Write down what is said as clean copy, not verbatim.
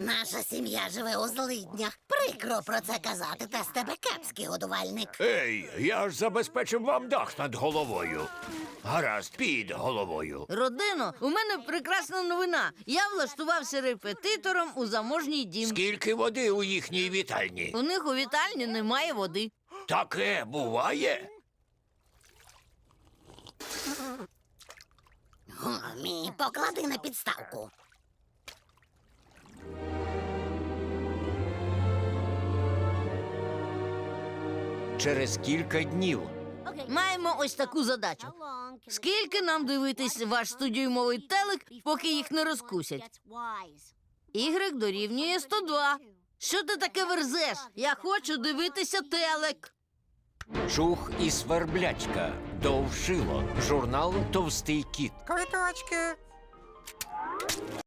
Наша сім'я живе у злиднях. Прикро про це казати, та з тебе кепський годувальник. Ей, я ж забезпечив вам дах над головою. Гаразд, під головою. Родино, у мене прекрасна новина. Я влаштувався репетитором у заможній дім. Скільки води у їхній вітальні? У них у вітальні немає води. Таке буває? Гумі, поклади на підставку. Через кілька днів. Маємо ось таку задачу. Скільки нам дивитись ваш студіумовий телек, поки їх не розкусять? Y дорівнює 102. Що ти таке верзеш? Я хочу дивитися телек. Чух і сверблячка. Довшило. Журнал «Товстий кіт». Квиточки.